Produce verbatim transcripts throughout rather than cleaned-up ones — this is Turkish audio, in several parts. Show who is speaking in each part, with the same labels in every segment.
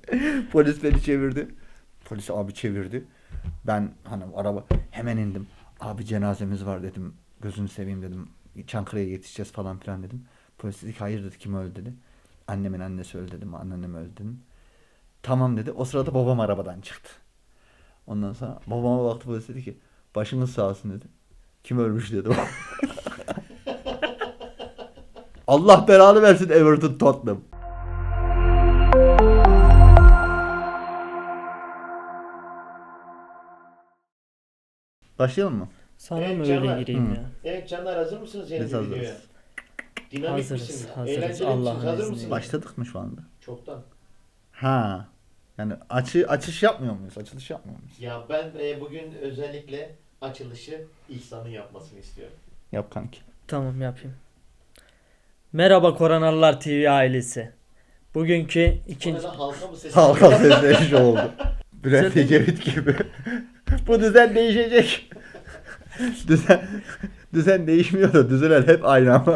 Speaker 1: Polis beni çevirdi. Polis abi çevirdi. Ben hani araba hemen indim. Abi cenazemiz var dedim. Gözünü seveyim dedim. Çankırı'ya yetişeceğiz falan filan dedim. Polis dedi ki hayır dedi, kim öldü dedi. Annemin annesi öldü dedim. Anneannem öldü dedim. Tamam dedi. O sırada babam arabadan çıktı. Ondan sonra babama baktı, polis dedi ki başınız sağ olsun dedi. Kim ölmüş dedi. Allah belanı versin Everton Tottenham. Başlayalım mı?
Speaker 2: Sana
Speaker 3: Evet,
Speaker 2: mı
Speaker 3: Canlar.
Speaker 2: öyle gireyim
Speaker 1: Hı.
Speaker 2: ya?
Speaker 3: Evet canlar, hazır mısınız yeni
Speaker 1: Biz
Speaker 3: bir
Speaker 1: hazırız.
Speaker 3: videoya? Dinamik
Speaker 2: Hazırız,
Speaker 3: misiniz?
Speaker 2: hazırız.
Speaker 3: Eğlenceli
Speaker 2: Allah'ın
Speaker 3: misiniz? Hazır
Speaker 2: izniyle.
Speaker 3: mısınız?
Speaker 1: Başladık mı şu anda?
Speaker 3: Çoktan.
Speaker 1: Ha. Yani açı açış yapmıyor muyuz? Açılış yapmıyor muyuz?
Speaker 3: Ya ben e, bugün özellikle açılışı İhsan'ın yapmasını istiyorum.
Speaker 1: Yap kanki.
Speaker 2: Tamam yapayım. Merhaba Koronalılar T V ailesi. Bugünkü
Speaker 3: O
Speaker 2: ikinci...
Speaker 3: neden halka mı sesi?
Speaker 1: Halka sesleşi oldu. Bülent
Speaker 2: Güzel değil
Speaker 1: Ecevit gibi. Bu düzen değişecek. düzen düzen değişmiyor da düzenler hep aynı ama.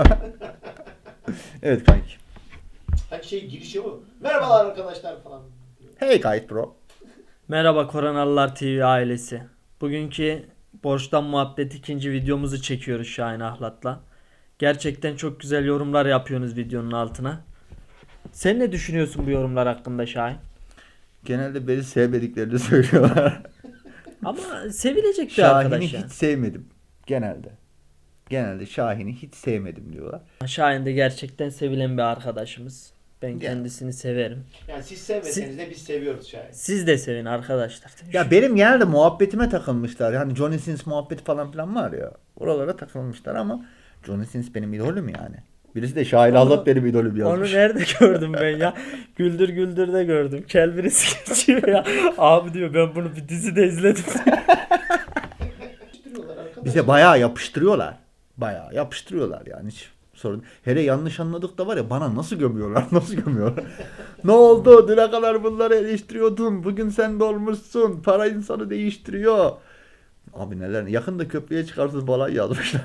Speaker 1: Evet kanki.
Speaker 3: Hani şey girişi bu. Merhabalar arkadaşlar falan.
Speaker 1: Hey kayıt bro.
Speaker 2: Merhaba Koronalılar T V ailesi. Bugünkü Borçtan Muhabbet ikinci videomuzu çekiyoruz Şahin Ahlat'la. Gerçekten çok güzel yorumlar yapıyorsunuz videonun altına. Sen ne düşünüyorsun bu yorumlar hakkında Şahin?
Speaker 1: Genelde beni sevmediklerini söylüyorlar.
Speaker 2: Ama sevilecek bir
Speaker 1: Şahin'i
Speaker 2: arkadaş ya.
Speaker 1: hiç sevmedim. Genelde. Genelde Şahin'i hiç sevmedim diyorlar.
Speaker 2: Şahin de gerçekten sevilen bir arkadaşımız. Ben
Speaker 1: Ya.
Speaker 2: kendisini severim.
Speaker 3: Yani siz sevmeseniz de biz seviyoruz şayet.
Speaker 2: Siz de sevin arkadaşlar.
Speaker 1: Ya benim genelde muhabbetime takılmışlar. Yani Johnny Sins muhabbeti falan filan var ya. Oralara takılmışlar ama Johnny Sins benim idolüm yani. Birisi de Şahin
Speaker 2: Onu-
Speaker 1: Ahlat benim idolüm
Speaker 2: Onu
Speaker 1: yazmış.
Speaker 2: nerede gördüm ben ya? Güldür Güldür'de gördüm. Kel birisi geçiyor ya. Abi diyor ben bunu bir dizide izledim.
Speaker 3: Yapıştırıyorlar arkadaşlar.
Speaker 1: Bize bayağı yapıştırıyorlar. Bayağı yapıştırıyorlar yani hiç sorun. Hele yanlış anladık da var ya, bana nasıl gömüyorlar nasıl gömüyorlar. Ne oldu? Düne kadar bunları eleştiriyordun. Bugün sen de olmuşsun. Para insanı değiştiriyor. Abi neler. Yakında köprüye çıkarsız falan yazmışlar.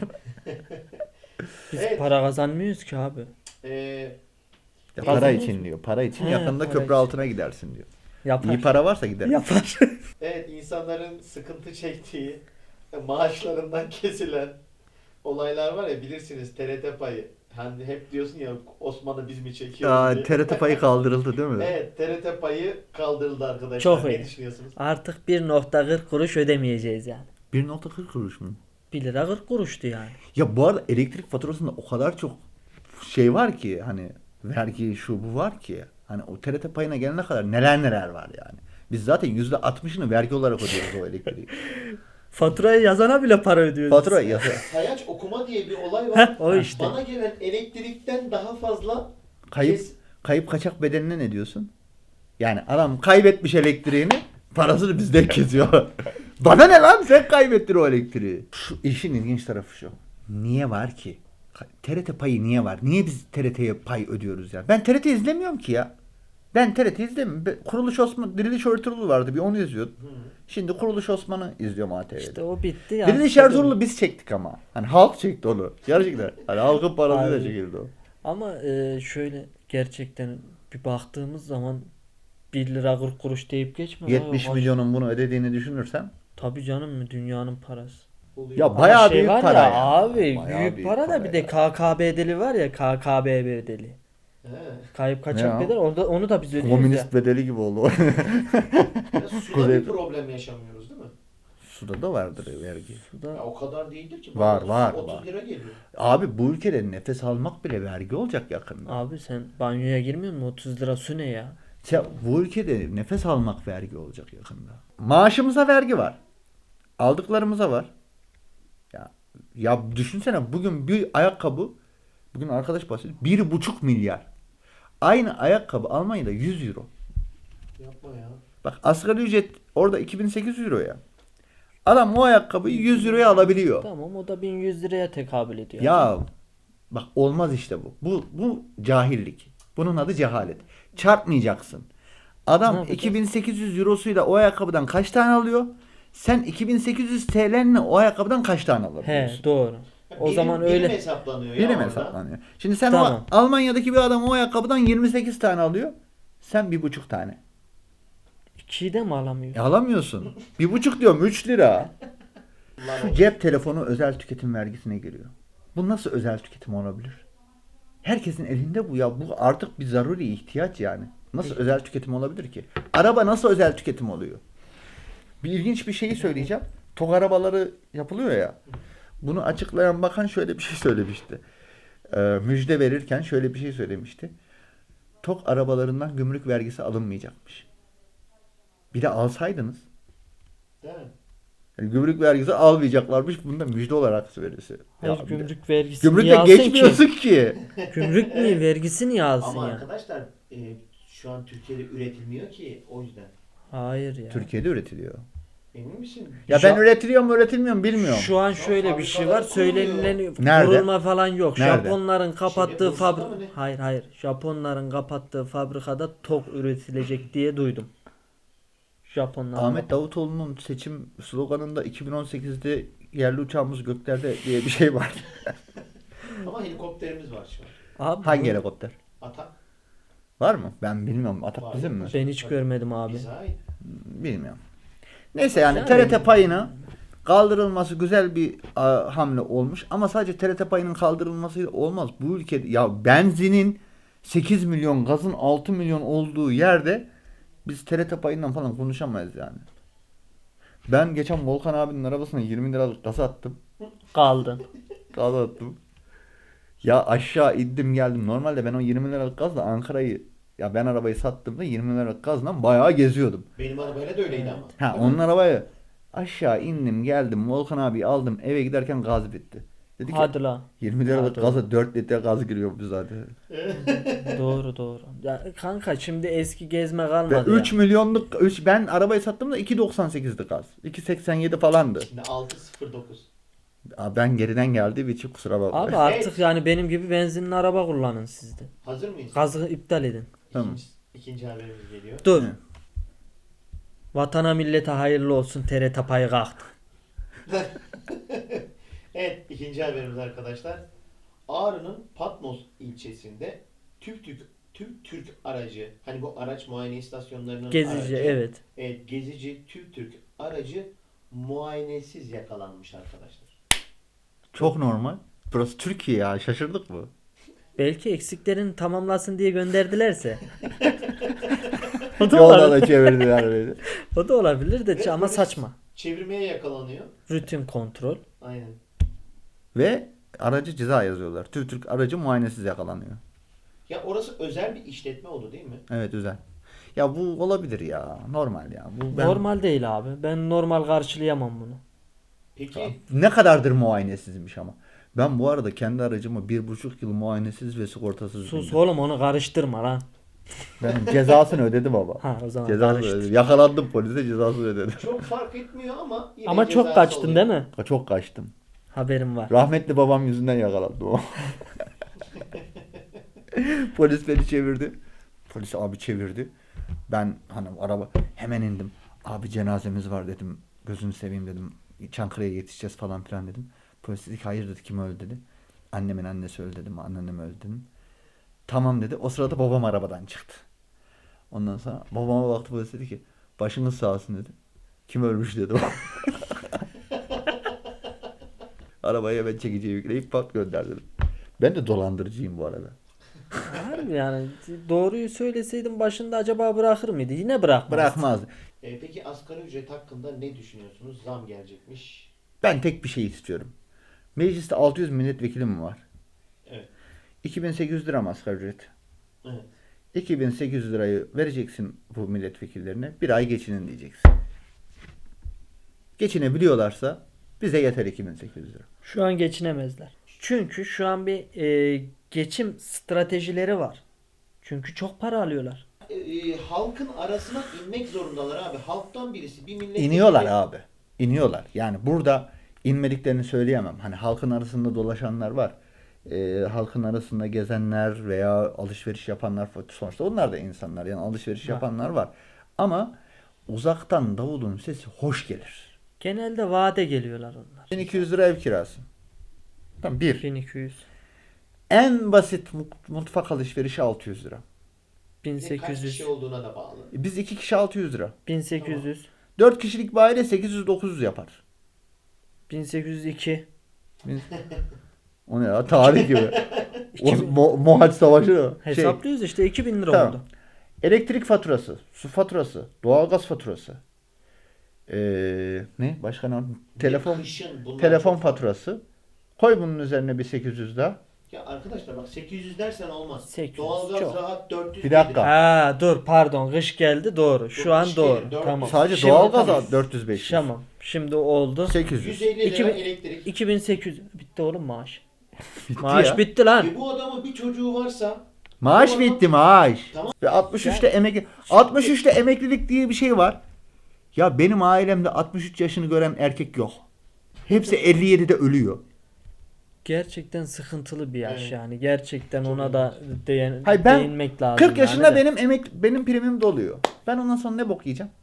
Speaker 2: Biz
Speaker 3: Evet.
Speaker 2: para kazanmıyoruz ki abi.
Speaker 3: Ee,
Speaker 1: Ya para
Speaker 2: Kazanıyoruz
Speaker 1: için
Speaker 2: mu?
Speaker 1: diyor. Para için
Speaker 2: He,
Speaker 1: yakında
Speaker 2: para
Speaker 1: köprü
Speaker 2: için.
Speaker 1: altına gidersin diyor.
Speaker 2: Yapar.
Speaker 1: İyi para varsa gider.
Speaker 2: Yapar.
Speaker 3: evet, insanların sıkıntı çektiği, maaşlarından kesilen olaylar var ya, bilirsiniz T R T payı. Hani hep diyorsun ya, Osman'ı biz mi çekiyoruz
Speaker 1: Aa,
Speaker 3: diye.
Speaker 1: T R T payı kaldırıldı değil mi?
Speaker 3: Evet, T R T payı kaldırıldı arkadaşlar.
Speaker 2: Çok
Speaker 3: ne
Speaker 2: iyi.
Speaker 3: düşünüyorsunuz?
Speaker 2: Artık bir nokta kırk kuruş ödemeyeceğiz yani.
Speaker 1: bir nokta kırk kuruş mu?
Speaker 2: bir lira kırk kuruştu yani.
Speaker 1: Ya bu arada elektrik faturasında o kadar çok şey var ki, hani vergi şu bu var ki, hani o T R T payına gelene kadar neler neler var yani. Biz zaten yüzde altmışını vergi olarak ödüyoruz o elektriği.
Speaker 2: Faturayı yazana bile para ödüyoruz.
Speaker 1: Fatura yazıyor.
Speaker 3: Sayaç okuma diye bir olay var.
Speaker 2: Heh, o işte.
Speaker 3: Bana gelen elektrikten daha fazla
Speaker 1: Kayıp
Speaker 3: kes-
Speaker 1: kayıp kaçak bedenine ne diyorsun? Yani adam kaybetmiş elektriğini, parasını bizden kesiyor. Bana ne lan, sen kaybettin o elektriği. Şu işin ilginç tarafı şu. Niye var ki? T R T payı niye var? Niye biz T R T'ye pay ödüyoruz ya? Ben T R T izlemiyorum ki ya. Ben T R T izlemiyorum. Ben- Kuruluş Osman, Diriliş Ertuğrul vardı, bir onu izliyordum.
Speaker 3: Hı.
Speaker 1: Şimdi Kuruluş Osman'ı izliyorum A T V'de.
Speaker 2: İşte o bitti ya.
Speaker 1: Diriliş Ertuğrul'u biz çektik ama. Hani halk çekti onu. Gerçekten. Hani halkın parasıyla
Speaker 2: Abi.
Speaker 1: çekildi o.
Speaker 2: Ama e, şöyle gerçekten bir baktığımız zaman bir lira kırk kuruş deyip geçme.
Speaker 1: yetmiş
Speaker 2: Abi,
Speaker 1: milyonun bunu ödediğini düşünürsem.
Speaker 2: Tabii canım mı dünyanın parası.
Speaker 3: oluyor.
Speaker 1: Ya
Speaker 2: Ama
Speaker 1: bayağı
Speaker 2: şey
Speaker 1: büyük
Speaker 2: var
Speaker 1: para
Speaker 2: ya,
Speaker 1: ya.
Speaker 2: abi
Speaker 1: Bayağı
Speaker 2: büyük,
Speaker 1: büyük
Speaker 2: para da
Speaker 1: para
Speaker 2: bir de
Speaker 1: ya.
Speaker 2: K K B bedeli var ya, K K B bedeli.
Speaker 3: He.
Speaker 2: Kayıp
Speaker 1: Ne
Speaker 2: kaçak
Speaker 1: ya?
Speaker 2: bedel, onu da, onu da biz ödüyoruz
Speaker 1: Komünist
Speaker 2: ya.
Speaker 1: bedeli gibi oldu.
Speaker 3: Ya suda
Speaker 1: Kuzey-
Speaker 3: bir problem yaşamıyoruz değil mi?
Speaker 1: Suda da vardır vergi.
Speaker 3: Ya
Speaker 2: Suda
Speaker 3: o kadar değildir ki.
Speaker 1: Var,
Speaker 3: Bana
Speaker 1: var,
Speaker 3: otuz
Speaker 1: var.
Speaker 3: lira geliyor.
Speaker 1: Abi bu ülkede nefes almak bile vergi olacak yakında.
Speaker 2: abi sen banyoya girmiyor musun? otuz lira su ne ya?
Speaker 1: Ya bu ülkede nefes almak vergi olacak yakında. Maaşımıza vergi var. Aldıklarımıza var. Ya ya düşünsene, bugün bir ayakkabı, bugün arkadaş bahsediyor, bir buçuk milyar. Aynı ayakkabı Almanya'da yüz euro.
Speaker 3: Yapma ya.
Speaker 1: Bak asgari ücret orada iki bin sekiz yüz euro ya. Adam o ayakkabıyı yüz euroya alabiliyor.
Speaker 2: Tamam, o da bin yüz liraya tekabül ediyor.
Speaker 1: Ya bak olmaz işte bu. Bu bu cahillik. Bunun adı cehalet. Çarpmayacaksın.
Speaker 2: Ne
Speaker 1: Adam
Speaker 2: yapacağız?
Speaker 1: iki bin sekiz yüz eurosuyla o ayakkabıdan kaç tane alıyor? Sen iki bin sekiz yüz T L'nle o ayakkabıdan kaç tane
Speaker 2: He
Speaker 1: alabiliyorsun?
Speaker 2: doğru. O
Speaker 3: Birim-
Speaker 2: zaman
Speaker 3: birim
Speaker 2: öyle.
Speaker 3: hesaplanıyor ya
Speaker 1: Birim
Speaker 3: orada.
Speaker 1: hesaplanıyor. Şimdi sen
Speaker 2: Tamam.
Speaker 1: o Almanya'daki bir adam o ayakkabıdan yirmi sekiz tane alıyor. Sen bir buçuk tane.
Speaker 2: ikiyi de mi alamıyor?
Speaker 1: E alamıyorsun. Bir buçuk diyorum üç lira.
Speaker 3: Lan
Speaker 1: Şu
Speaker 3: o-
Speaker 1: cep telefonu özel tüketim vergisine giriyor. Bu nasıl özel tüketim olabilir? Herkesin elinde bu ya. Bu artık bir zaruri ihtiyaç yani. Nasıl özel tüketim olabilir ki? Araba nasıl özel tüketim oluyor? Bir ilginç bir şeyi söyleyeceğim. TOG arabaları yapılıyor ya. Bunu açıklayan bakan şöyle bir şey söylemişti. Ee, müjde verirken şöyle bir şey söylemişti. TOG arabalarından gümrük vergisi alınmayacakmış. Bir de alsaydınız
Speaker 3: Değil mi?
Speaker 1: yani gümrük vergisi almayacaklarmış. Bunu da müjde olarak söylüyorsun.
Speaker 2: Hayır,
Speaker 1: Ya bir de-
Speaker 2: gümrük vergisi niye
Speaker 1: Gümrükle
Speaker 2: alsın
Speaker 1: geçmiyorsun
Speaker 2: ki?
Speaker 1: ki.
Speaker 2: Gümrük niye vergisi niye alsın
Speaker 3: Ama
Speaker 2: ya?
Speaker 3: arkadaşlar e, şu an Türkiye'de üretilmiyor ki o yüzden.
Speaker 2: Hayır ya.
Speaker 1: Türkiye'de üretiliyor.
Speaker 3: Emin misin?
Speaker 1: Ya
Speaker 2: Şu
Speaker 1: ben
Speaker 2: an-
Speaker 1: üretiliyor mu üretilmiyor mu bilmiyorum.
Speaker 2: Şu an şöyle bir şey var.
Speaker 3: fabrikalar
Speaker 2: Söylenilen
Speaker 1: Nerede?
Speaker 2: kurulma falan yok.
Speaker 1: Nerede?
Speaker 2: Japonların kapattığı
Speaker 3: Bursa'da
Speaker 2: fabri
Speaker 3: mı ne?
Speaker 2: Hayır hayır. Japonların kapattığı fabrikada TOG üretilecek diye duydum. Japonlar.
Speaker 1: Ahmet Davutoğlu'nun seçim sloganında iki bin on sekizde yerli uçağımız göklerde diye bir şey var.
Speaker 3: Ama helikopterimiz var şu an.
Speaker 2: Abi
Speaker 1: Hangi
Speaker 2: bu-
Speaker 1: helikopter?
Speaker 3: Atak
Speaker 1: Var mı? Ben bilmiyorum. Atak
Speaker 3: Var.
Speaker 1: bizim mi?
Speaker 2: Ben hiç görmedim abi.
Speaker 3: bize ait.
Speaker 1: Bilmiyorum. Neyse yani
Speaker 2: Yani-
Speaker 1: T R T payına kaldırılması güzel bir a, hamle olmuş ama sadece T R T payının kaldırılması olmaz. Bu ülkede ya benzinin sekiz milyon, gazın altı milyon olduğu yerde biz T R T payından falan konuşamayız yani. Ben geçen Volkan abinin arabasına yirmi liralık gaz attım.
Speaker 2: Kaldın.
Speaker 1: Gaz attım. Ya aşağı indim geldim. Normalde ben o yirmi liralık gazla Ankara'yı ya ben arabayı sattığımda yirmi liralık gazla bayağı geziyordum.
Speaker 3: Benim arabayla da öyleydi ama.
Speaker 1: Ha onun arabayı aşağı indim geldim Volkan abi aldım eve giderken gaz bitti. Dedi ki
Speaker 2: Hadi lan.
Speaker 1: yirmi liralık
Speaker 2: Hadi
Speaker 1: gaza dört litre gaz giriyor bu zaten.
Speaker 2: Doğru doğru. Ya kanka şimdi eski gezme
Speaker 1: Ve
Speaker 2: kalmadı
Speaker 1: üç
Speaker 2: ya.
Speaker 1: milyonluk üç ben arabayı sattığımda iki doksan sekizdi gaz. iki seksen yedi falandı.
Speaker 3: Şimdi altı sıfır dokuz.
Speaker 1: Aa, ben geriden geldiğim için kusura bakma.
Speaker 2: Abi artık yani benim gibi benzinli araba kullanın siz de.
Speaker 3: Hazır mıyız?
Speaker 2: Gazı iptal edin.
Speaker 1: Tamam.
Speaker 3: İkinci, ikinci haberimiz geliyor.
Speaker 2: Dur.
Speaker 1: Hı.
Speaker 2: Vatana millete hayırlı olsun, T R T payı kalktı.
Speaker 3: Evet, ikinci haberimiz arkadaşlar. Ağrı'nın Patmos ilçesinde TÜV TÜRK, TÜV TÜRK aracı, hani bu araç muayene istasyonlarının
Speaker 2: Gezici
Speaker 3: aracı,
Speaker 2: evet.
Speaker 3: evet, gezici TÜV TÜRK aracı muayenesiz yakalanmış arkadaşlar.
Speaker 1: Çok normal. Burası Türkiye ya şaşırdık mı?
Speaker 2: Belki eksiklerini tamamlasın diye gönderdilerse. o, da
Speaker 1: Yolda
Speaker 2: olabilir.
Speaker 1: da çevirdiler beni.
Speaker 2: o da olabilir de
Speaker 3: Ve
Speaker 2: ama
Speaker 3: polis
Speaker 2: saçma.
Speaker 3: Çevirmeye yakalanıyor.
Speaker 2: Rutin kontrol.
Speaker 3: Aynen.
Speaker 1: Ve aracı ceza yazıyorlar. TÜV TÜRK aracı muayenesiz yakalanıyor.
Speaker 3: Ya orası özel bir işletme oldu değil mi?
Speaker 1: Evet güzel. Ya bu olabilir ya. Normal ya. Bu ben...
Speaker 2: Normal değil abi. Ben normal karşılayamam bunu.
Speaker 3: Peki
Speaker 1: Ne kadardır muayenesizmiş ama. Ben bu arada kendi aracımı bir buçuk yıl muayenesiz ve sigortasız
Speaker 2: Sus
Speaker 1: bindim.
Speaker 2: oğlum onu karıştırma lan.
Speaker 1: Ben cezasını ödedim ama.
Speaker 2: Ha o zaman
Speaker 1: Cezasını
Speaker 2: karıştır.
Speaker 1: ödedim. Yakalandım polise cezasını ödedim.
Speaker 3: çok fark etmiyor ama yine
Speaker 2: Ama çok
Speaker 3: cezası
Speaker 2: kaçtın
Speaker 3: oluyor.
Speaker 2: değil mi?
Speaker 1: Çok kaçtım.
Speaker 2: Haberim var.
Speaker 1: Rahmetli babam yüzünden yakalandım o. Polis beni çevirdi. Polis abi çevirdi. Ben hani araba hemen indim. Abi cenazemiz var dedim. Gözünü seveyim dedim. Çankırı'ya yetişeceğiz falan filan dedim. Polis dedi ki hayır dedi kim öldü dedi. Annemin annesi öldü dedim. Anneannem öldü dedim. Tamam dedi. O sırada babam arabadan çıktı. Ondan sonra babama baktı polis dedi ki başınız sağ olsun dedi. Kim ölmüş dedi. Arabaya ben çekiciyi yükleyip pat gönderdim. Ben de dolandırıcıyım bu arada.
Speaker 2: Harbi yani doğruyu söyleseydim başında acaba bırakır mıydı? Yine bırakmaz.
Speaker 1: Bırakmaz.
Speaker 3: E, peki asgari ücret hakkında ne düşünüyorsunuz? Zam gelecekmiş.
Speaker 1: Ben tek bir şey istiyorum. Mecliste altı yüz milletvekili mi var?
Speaker 3: Evet.
Speaker 1: iki bin sekiz yüz lira mı asgari ücret?
Speaker 3: Evet.
Speaker 1: iki bin sekiz yüz lirayı vereceksin bu milletvekillerine. Bir ay geçinin diyeceksin. Geçinebiliyorlarsa bize yeter iki bin sekiz yüz lira.
Speaker 2: Şu an geçinemezler. Çünkü şu an bir e, geçim stratejileri var. Çünkü çok para alıyorlar.
Speaker 3: E, e, halkın arasına inmek zorundalar abi. Halktan birisi bir milletvekili.
Speaker 1: İniyorlar abi. İniyorlar. Yani burada inmediklerini söyleyemem. Hani halkın arasında dolaşanlar var. Ee, halkın arasında gezenler veya alışveriş yapanlar sonuçta onlar da insanlar. Yani alışveriş
Speaker 2: Var.
Speaker 1: yapanlar var. Ama uzaktan davulun sesi hoş gelir.
Speaker 2: Genelde vade geliyorlar onlar.
Speaker 1: bin iki yüz lira ev kirası. Tamam bir.
Speaker 2: bin iki yüz.
Speaker 1: En basit mu- mutfak alışverişi altı yüz lira.
Speaker 3: Bir de kaç
Speaker 2: bin sekiz yüz.
Speaker 3: kişi olduğuna da bağlı.
Speaker 1: E, Biz iki kişi altı yüz lira.
Speaker 2: bin sekiz yüz.
Speaker 1: Dört kişilik bir aile sekiz yüz dokuz yüz yapar.
Speaker 2: bin sekiz yüz iki.
Speaker 1: O ne ya? Tarih gibi. o,
Speaker 2: iki bin.
Speaker 1: Mo Mohaç Savaşı o. Şey,
Speaker 2: Hesaplıyoruz işte iki bin lira
Speaker 1: Tamam.
Speaker 2: oldu.
Speaker 1: elektrik faturası, su faturası, doğalgaz faturası. Ee, ne? Başka ne? Telefon
Speaker 3: Kışın bunlar
Speaker 1: telefon
Speaker 3: çok-
Speaker 1: faturası. Koy bunun üzerine bir sekiz yüz daha.
Speaker 3: Ya arkadaşlar bak sekiz yüz dersen olmaz.
Speaker 2: sekiz yüz
Speaker 3: Doğalgaz
Speaker 2: çok.
Speaker 3: rahat dört yüz
Speaker 1: Bir dakika.
Speaker 3: gelir.
Speaker 2: Ha dur pardon kış geldi doğru. Şu
Speaker 3: Yok,
Speaker 2: an
Speaker 3: kış
Speaker 2: doğru.
Speaker 3: değil, dört
Speaker 2: Tamam.
Speaker 3: yüz.
Speaker 1: Sadece
Speaker 2: Şimdi
Speaker 1: doğalgaz
Speaker 2: tamam.
Speaker 1: dört yüz beş yüz.
Speaker 2: Tamam. Şimdi oldu.
Speaker 1: sekiz yüz.
Speaker 3: yüz elli lira
Speaker 2: İki bin-
Speaker 3: elektrik.
Speaker 2: iki bin sekiz yüz. Bitti oğlum maaş.
Speaker 1: Bitti
Speaker 2: Maaş
Speaker 1: ya.
Speaker 2: bitti lan.
Speaker 3: E bu adamın bir çocuğu varsa
Speaker 1: Maaş
Speaker 3: bu adam-
Speaker 1: bitti maaş.
Speaker 3: Tamam.
Speaker 1: Ve altmış üçte emekli altmış üçte emeklilik diye bir şey var. Ya benim ailemde altmış üç yaşını gören erkek yok. Hepsi elli yedide ölüyor.
Speaker 2: Gerçekten sıkıntılı bir yaş
Speaker 3: Evet.
Speaker 2: yani. Gerçekten
Speaker 3: Çok
Speaker 2: ona da değin,
Speaker 1: Hayır, ben
Speaker 2: değinmek lazım.
Speaker 1: kırk yaşında
Speaker 2: yani de.
Speaker 1: benim emek benim primim doluyor. Ben ondan sonra ne bok yiyeceğim?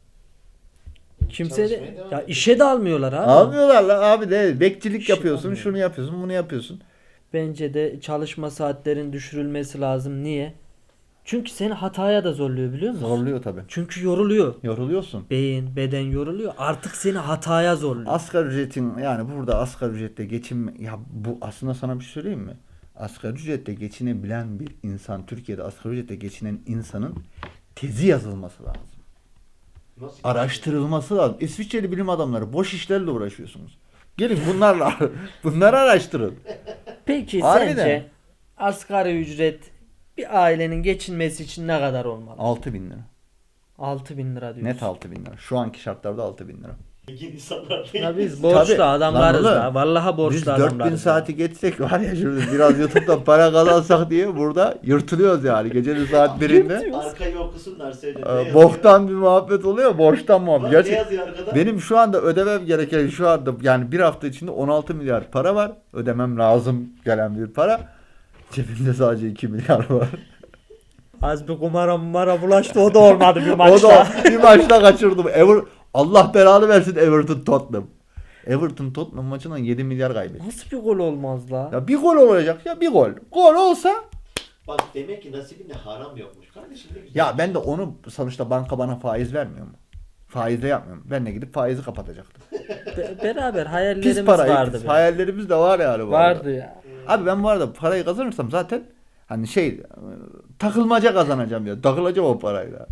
Speaker 2: Kimse
Speaker 3: çalışmaya
Speaker 2: de
Speaker 3: devam
Speaker 2: ya
Speaker 3: ediyor.
Speaker 2: işe de almıyorlar abi.
Speaker 1: Almıyorlar la abi de bekçilik
Speaker 2: İşe
Speaker 1: yapıyorsun,
Speaker 2: almıyor.
Speaker 1: şunu yapıyorsun, bunu yapıyorsun.
Speaker 2: Bence de çalışma saatlerin düşürülmesi lazım. Niye? Çünkü seni hataya da zorluyor biliyor musun?
Speaker 1: Zorluyor tabii.
Speaker 2: Çünkü yoruluyor.
Speaker 1: Yoruluyorsun.
Speaker 2: Beyin, beden yoruluyor. Artık seni hataya zorluyor.
Speaker 1: Asgari ücretin yani burada asgari ücretle geçin ya bu aslında sana bir şey söyleyeyim mi? Asgari ücretle geçinebilen bir insan, Türkiye'de asgari ücretle geçinen insanın tezi yazılması lazım.
Speaker 3: Nasıl?
Speaker 1: Araştırılması lazım. İsviçreli bilim adamları boş işlerle uğraşıyorsunuz. Gelin bunlarla bunları araştırın.
Speaker 2: Peki
Speaker 1: Harbiden.
Speaker 2: sence asgari ücret bir ailenin geçinmesi için ne kadar olmalı?
Speaker 1: altı bin lira.
Speaker 2: altı bin lira diyorsun.
Speaker 1: Net altı bin lira. Şu anki şartlarda altı bin lira.
Speaker 3: Zengin insanlar değil.
Speaker 2: Ya biz borçlu
Speaker 1: Tabii.
Speaker 2: adamlarız
Speaker 1: Lan
Speaker 2: da.
Speaker 1: oğlum,
Speaker 2: Vallahi borçlu
Speaker 1: Biz
Speaker 2: adamlarız.
Speaker 1: dört bin
Speaker 2: ya.
Speaker 1: saati geçsek var ya şurada biraz YouTube'dan para kazansak diye burada yırtılıyoruz yani gecenin saat birinde.
Speaker 2: Yırtıyoruz.
Speaker 3: Arkayı okusunlar seyredin. Ne
Speaker 1: Ee,
Speaker 3: yazıyor?
Speaker 1: Boktan bir muhabbet oluyor. Borçtan
Speaker 3: Bak,
Speaker 1: muhabbet.
Speaker 3: ne
Speaker 1: Gerçek,
Speaker 3: yazıyor arkada?
Speaker 1: benim şu anda ödemem gereken şu anda yani bir hafta içinde on altı milyar para var. Ödemem lazım gelen bir para. Cebimde sadece iki milyar var.
Speaker 2: Az bir kumara mumara bulaştı o da olmadı bir
Speaker 1: O
Speaker 2: maçta.
Speaker 1: da bir maçta kaçırdım. Ever Allah belanı versin Everton Tottenham. Everton Tottenham maçından yedi milyar kaybetti.
Speaker 2: Nasıl bir gol olmaz la?
Speaker 1: Ya bir gol olacak ya bir gol. Gol olsa
Speaker 3: Bak demek ki nasibinde haram yokmuş. Kardeşim ne güzel.
Speaker 1: ya ben de onu sonuçta banka bana faiz vermiyor mu? Faizle yapmıyorum. Ben de gidip faizi kapatacaktım.
Speaker 2: Be- beraber
Speaker 1: Pis
Speaker 2: hayallerimiz
Speaker 1: para.
Speaker 2: vardı.
Speaker 1: pis.
Speaker 2: be.
Speaker 1: Hayallerimiz de var yani bu arada.
Speaker 2: Vardı ya.
Speaker 1: Abi ben bu arada parayı kazanırsam zaten hani şey e, takılmaca kazanacağım ya. Takılacağım o parayla.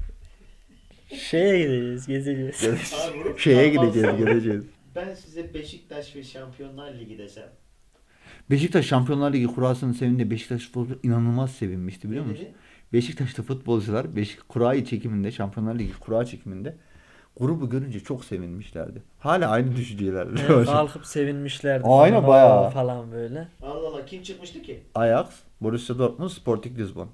Speaker 2: Şeye gideceğiz, gezeceğiz.
Speaker 3: Abi bu-
Speaker 1: Şeye
Speaker 3: Tamam,
Speaker 1: gideceğiz,
Speaker 3: tamam.
Speaker 1: gideceğiz.
Speaker 3: Ben size Beşiktaş ve Şampiyonlar Ligi desem.
Speaker 1: Beşiktaş Şampiyonlar Ligi kurasının sevindiğinde Beşiktaş futbolcular inanılmaz sevinmişti biliyor
Speaker 3: Ne
Speaker 1: musun?
Speaker 3: dedi?
Speaker 1: Beşiktaş'ta futbolcular Beşik kurayı çekiminde Şampiyonlar Ligi kura çekiminde grubu görünce çok sevinmişlerdi. Hala aynı düşüncelerle.
Speaker 2: Evet, kalkıp sevinmişlerdi.
Speaker 1: Aynen,
Speaker 2: falan,
Speaker 1: bayağı.
Speaker 2: "Oo" falan böyle.
Speaker 3: Allah Allah kim çıkmıştı ki?
Speaker 1: Ajax, Borussia Dortmund, Sporting Lisbon.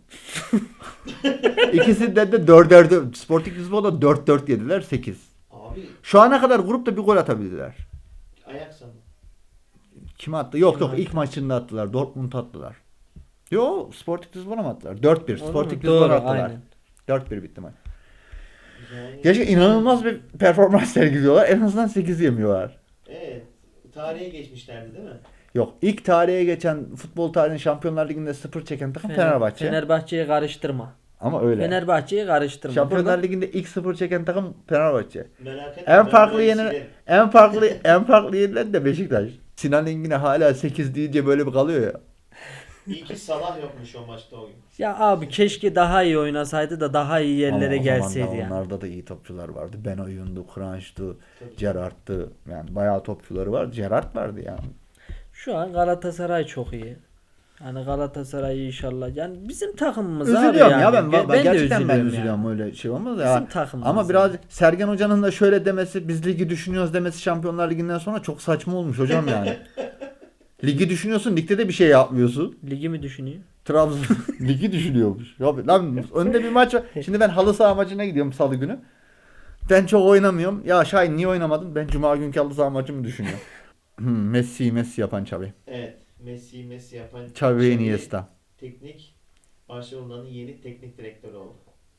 Speaker 1: İkisinden de dörder dört. Sporting Lisbon'da dört dört yediler sekiz.
Speaker 3: Abi
Speaker 1: Şu ana kadar grupta bir gol atabildiler.
Speaker 3: ayak sandım.
Speaker 1: Kim attı? Yok
Speaker 2: Kim
Speaker 1: yok
Speaker 2: attı?
Speaker 1: ilk maçında attılar. Dortmund attılar. Yo Sporting Lisbon'a mı attılar? dört bir.
Speaker 2: Olur mu?
Speaker 1: Sporting
Speaker 2: Doğru,
Speaker 1: Lisbon'a attılar.
Speaker 2: aynen.
Speaker 1: dört bir bitti maç.
Speaker 3: Yani,
Speaker 1: Gerçi inanılmaz bir performans sergiliyorlar. En azından sekiz yemiyorlar.
Speaker 3: Evet. Tarihe geçmişlerdi değil mi?
Speaker 1: Yok ilk tarihe geçen futbol tarihinin Şampiyonlar Ligi'nde sıfır çeken takım
Speaker 2: Fener-
Speaker 1: Fenerbahçe.
Speaker 2: Fenerbahçe'yi karıştırma.
Speaker 1: Ama öyle.
Speaker 2: Fenerbahçe'yi karıştırma.
Speaker 1: Şampiyonlar
Speaker 2: Burada-
Speaker 1: Ligi'nde ilk sıfır çeken takım Fenerbahçe.
Speaker 3: Merak etme.
Speaker 1: En
Speaker 3: ben
Speaker 1: farklı
Speaker 3: burayı
Speaker 1: yeni
Speaker 3: silerim.
Speaker 1: en farklı en farklı yenilen de Beşiktaş. Sinan Engin'e hala sekiz deyince böyle bir kalıyor ya.
Speaker 3: İyi ki Salah yokmuş o maçta o gün.
Speaker 2: Ya abi keşke daha iyi oynasaydı da daha iyi yerlere
Speaker 1: Ama o zaman
Speaker 2: gelseydi
Speaker 1: da
Speaker 2: yani.
Speaker 1: onlarda da iyi topçular vardı. Ben Oyun'du, Kranj'dı,
Speaker 3: Tabii.
Speaker 1: Gerrard'dı. Yani bayağı topçuları var. Gerrard vardı yani.
Speaker 2: Şu an Galatasaray çok iyi. Yani Galatasaray inşallah. Yani bizim takımımız abi
Speaker 1: Üzülüyorum
Speaker 2: yani.
Speaker 1: ya ben,
Speaker 2: Ge-
Speaker 1: ben,
Speaker 2: de
Speaker 1: gerçekten ben
Speaker 2: üzülüyorum
Speaker 1: üzülüyorum
Speaker 2: yani.
Speaker 1: öyle şey olmaz
Speaker 2: Bizim
Speaker 1: ya.
Speaker 2: takımımız
Speaker 1: Ama
Speaker 2: yani.
Speaker 1: biraz Sergen Hoca'nın da şöyle demesi biz ligi düşünüyoruz demesi Şampiyonlar Ligi'nden sonra çok saçma olmuş hocam yani. Ligi düşünüyorsun ligde de bir şey yapmıyorsun.
Speaker 2: Ligi mi düşünüyor?
Speaker 1: Trabzon ligi düşünüyormuş. Ya lan önde bir maç var. Şimdi ben halı saha maçına gidiyorum salı günü. Ben çok oynamıyorum. Ya Şahin niye oynamadın? Ben cuma günkü halı saha maçımı düşünüyorum. hmm, Messi Messi yapan Xavi.
Speaker 3: Evet. Messi Messi yapan
Speaker 1: Xavi Iniesta.
Speaker 3: teknik Barcelona'nın yeni teknik direktörü oldu.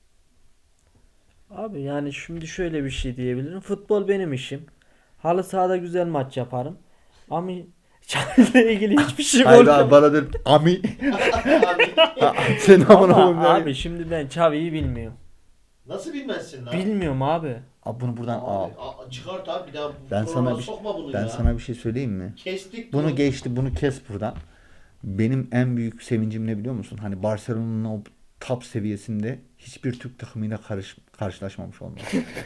Speaker 2: Abi yani şimdi şöyle bir şey diyebilirim. Futbol benim işim. Halı sahada güzel maç yaparım. Ama Xavi'yle ilgili hiçbir şey
Speaker 1: Hayır
Speaker 2: korkmuyorum.
Speaker 1: abi bana der ami.
Speaker 3: Abi,
Speaker 1: Sen amına
Speaker 2: Ama
Speaker 1: koyayım.
Speaker 2: abi şimdi ben Xavi'yi bilmiyorum.
Speaker 3: nasıl bilmezsin lan?
Speaker 2: Bilmiyorum abi.
Speaker 1: Abi bunu buradan al.
Speaker 3: Abi, a- çıkart abi bir daha
Speaker 1: Ben
Speaker 3: programa
Speaker 1: sana bir
Speaker 3: sokma bunu
Speaker 1: ben
Speaker 3: ya.
Speaker 1: sana bir şey söyleyeyim mi?
Speaker 3: Kestik
Speaker 1: Bunu geçti, bunu kes buradan. Benim en büyük sevincim ne biliyor musun? Hani Barcelona'nın o top seviyesinde hiçbir Türk takımıyla karış, karşılaşmamış olmak.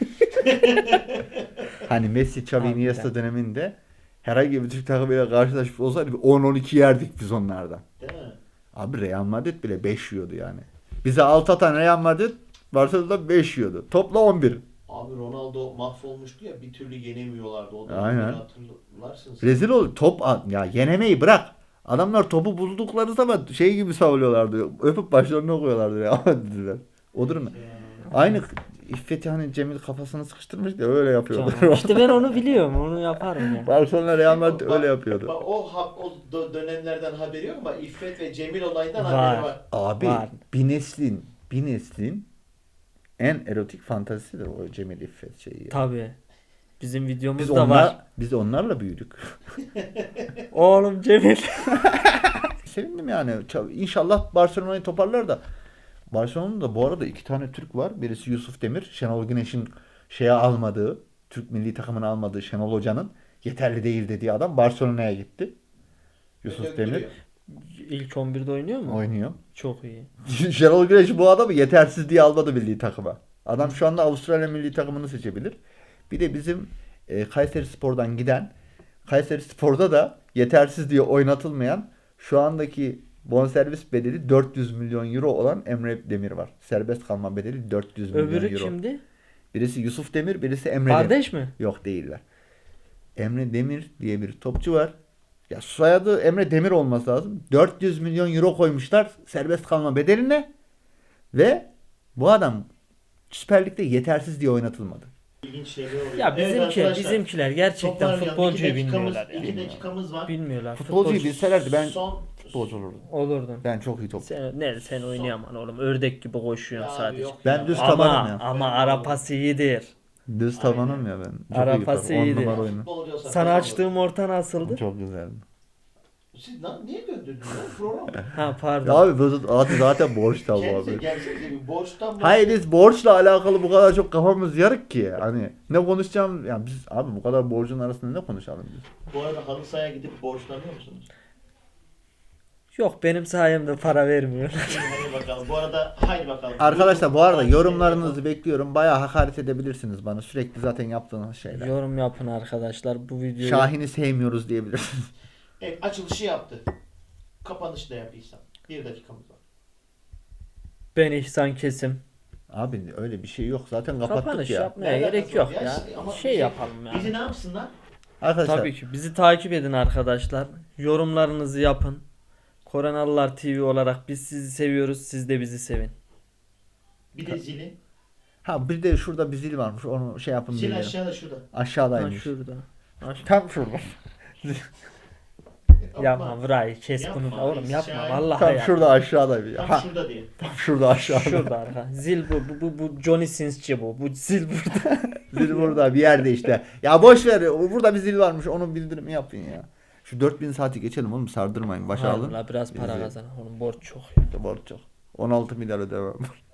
Speaker 1: Hani Messi, Xavi,
Speaker 2: Harbiden.
Speaker 1: Iniesta döneminde herhangi bir Türk takımıyla karşılaşmış olsaydı bir on on iki yerdik biz onlardan.
Speaker 3: Değil mi?
Speaker 1: Abi Real Madrid bile beş yiyordu yani. Bize altı atan Real Madrid Barcelona'da beş yiyordu. Topla on bir.
Speaker 3: Abi Ronaldo mahvolmuştu ya bir türlü yenemiyorlardı. O da
Speaker 1: Aynen.
Speaker 3: hatırlarsın.
Speaker 1: Rezil ol. Top at- ya yenemeyi bırak. Adamlar topu buldukları zaman şey gibi savuruyorlardı. Öpüp başlarına koyuyorlardı ya. dediler. O durum. Aynı İffet'i hani Cemil kafasını sıkıştırmış da öyle yapıyordu.
Speaker 2: Tamam. İşte ben onu biliyorum. Onu yaparım ya.
Speaker 1: Barcelona Real Madrid
Speaker 3: Bak-
Speaker 1: öyle yapıyordu.
Speaker 3: Bak, o, ha- o dö- dönemlerden haberi yok ama İffet ve Cemil olayından
Speaker 2: Var.
Speaker 3: haberi var.
Speaker 1: Abi
Speaker 2: Var.
Speaker 1: bir neslin bir neslin en erotik fantazisidir o Cemil İffet şeyi. ya.
Speaker 2: Tabii. Bizim
Speaker 1: Biz
Speaker 2: videomuzda
Speaker 1: onlar
Speaker 2: var.
Speaker 1: biz onlarla büyüdük.
Speaker 2: Oğlum Cemil.
Speaker 1: Sevindim yani. Ç- İnşallah Barcelona'yı toparlar da. Barcelona'da bu arada iki tane Türk var. Birisi Yusuf Demir. Şenol Güneş'in şeye almadığı, Türk milli takımını almadığı Şenol Hoca'nın yeterli değil dediği adam Barcelona'ya gitti. Yusuf
Speaker 3: Döktürüyor.
Speaker 1: Demir
Speaker 2: İlk on birde oynuyor mu?
Speaker 1: oynuyor.
Speaker 2: Çok iyi.
Speaker 1: Şenol Güneş bu adamı yetersiz diye almadı milli takıma. Adam şu anda Avustralya milli takımını seçebilir. Bir de bizim e, Kayseri Spor'dan giden Kayseri Spor'da da yetersiz diye oynatılmayan şu andaki bonservis bedeli dört yüz milyon euro olan Emre Demir var. Serbest kalma bedeli dört yüz milyon
Speaker 2: Öbürü
Speaker 1: euro.
Speaker 2: kimdi?
Speaker 1: Birisi Yusuf Demir, birisi Emre Demir.
Speaker 2: Kardeş mi?
Speaker 1: Yok değiller. Emre Demir diye bir topçu var. Ya soyadı Emre Demir olması lazım. dört yüz milyon euro koymuşlar serbest kalma bedeline ve bu adam Süper Lig'de yetersiz diye oynatılmadı.
Speaker 3: İlginç şeyler oluyor.
Speaker 2: Ya
Speaker 3: Evet
Speaker 2: bizimki,
Speaker 3: arkadaşlar,
Speaker 2: bizimkiler gerçekten
Speaker 3: toparlayalım.
Speaker 2: futbolcuyu
Speaker 3: İki dakikamız-
Speaker 2: bilmiyorlar
Speaker 3: İki
Speaker 2: yani.
Speaker 3: dakikamız var.
Speaker 2: Bilmiyorlar.
Speaker 1: Futbolcuyu
Speaker 2: Futbolcu-
Speaker 1: bilselerdi ben
Speaker 3: Son
Speaker 1: futbolcu olurdum.
Speaker 2: olurdun.
Speaker 1: Ben çok iyi topçu.
Speaker 2: Sen, ne sen oynayamam oğlum. Ördek gibi koşuyorsun
Speaker 3: Ya
Speaker 2: sadece.
Speaker 3: yok
Speaker 1: Ben
Speaker 3: ya.
Speaker 1: düz
Speaker 2: Ama
Speaker 1: tabanım ya.
Speaker 2: ama ara pası iyidir.
Speaker 1: Düz tabanım ya ben. Çok
Speaker 2: Ara
Speaker 1: iyi
Speaker 2: pası
Speaker 1: yaparım. On
Speaker 2: iyiydi.
Speaker 1: numara oyunu.
Speaker 3: Futbolcu olsa
Speaker 2: Sana
Speaker 3: kazanır.
Speaker 2: açtığım orta nasıldı?
Speaker 1: Çok güzel.
Speaker 3: Siz lan niye döndürdünüz lan programı?
Speaker 2: Ha pardon.
Speaker 1: Ya abi bu adı zaten borç tabi
Speaker 3: Kendisi
Speaker 1: abi.
Speaker 3: gelsenize bir borçtan borç-
Speaker 1: Hayır biz borçla alakalı bu kadar çok kafamız yarık ki. Hani ne konuşacağım yani biz abi bu kadar borcun arasında ne konuşalım biz?
Speaker 3: Bu arada halı sahaya gidip borçlanıyor musunuz?
Speaker 2: Yok benim sayemde para vermiyor.
Speaker 3: Hadi bakalım. Bu arada haydi bakalım.
Speaker 1: Arkadaşlar bu arada
Speaker 3: Takip
Speaker 1: yorumlarınızı
Speaker 3: edelim.
Speaker 1: bekliyorum. Bayağı hakaret edebilirsiniz bana. Sürekli zaten yaptığınız şeyler.
Speaker 2: Yorum yapın arkadaşlar bu videoyu.
Speaker 1: Şahin'i sevmiyoruz diyebilirsiniz.
Speaker 3: Evet açılışı yaptı. Kapanışı da yaptıysam. Bir dakikamız var.
Speaker 2: Ben İhsan Kesim.
Speaker 1: Abi öyle bir şey yok. Zaten kapattık
Speaker 2: Kapanış
Speaker 1: ya.
Speaker 2: yapmaya
Speaker 3: Nereden
Speaker 2: gerek yok
Speaker 3: kazanıyor?
Speaker 2: ya.
Speaker 3: Şimdi ama
Speaker 2: Şey
Speaker 3: bizi-
Speaker 2: yapalım yani.
Speaker 3: Bizi ne yapsınlar?
Speaker 1: Arkadaşlar
Speaker 2: Tabii ki bizi takip edin arkadaşlar. Yorumlarınızı yapın. Koronalılar T V olarak biz sizi seviyoruz. Siz de bizi sevin.
Speaker 3: Bir de zili.
Speaker 1: ha bir de şurada bir zil varmış. Onu şey yapın
Speaker 3: Zil
Speaker 1: diyelim.
Speaker 3: aşağıda şurada.
Speaker 2: Ha
Speaker 1: Aşağıdaymış.
Speaker 2: şurada. Ha, şu-
Speaker 1: Tam şurada.
Speaker 2: Yapma Vray kes
Speaker 3: Yapma,
Speaker 2: bunu oğlum yapma
Speaker 3: Şahin.
Speaker 2: vallahi
Speaker 1: Tam
Speaker 2: ya.
Speaker 1: şurada aşağıda.
Speaker 3: Tam
Speaker 1: Ha,
Speaker 3: şurada diye.
Speaker 1: tam şurada aşağıda.
Speaker 2: Şurada arka. Zil bu bu bu, bu Johnny Sins'ci bu. Bu zil burada.
Speaker 1: Zil burada bir yerde işte. Ya boş ver. Burada bir zil varmış. Onun bildirimi yapın ya. Şu dört bin saati geçelim oğlum. Sardırmayın. Başa alın.
Speaker 2: Vallahi biraz para
Speaker 1: Bizi-
Speaker 2: kazan. Oğlum borç çok.
Speaker 1: Borç çok. on altı milyar ödemem.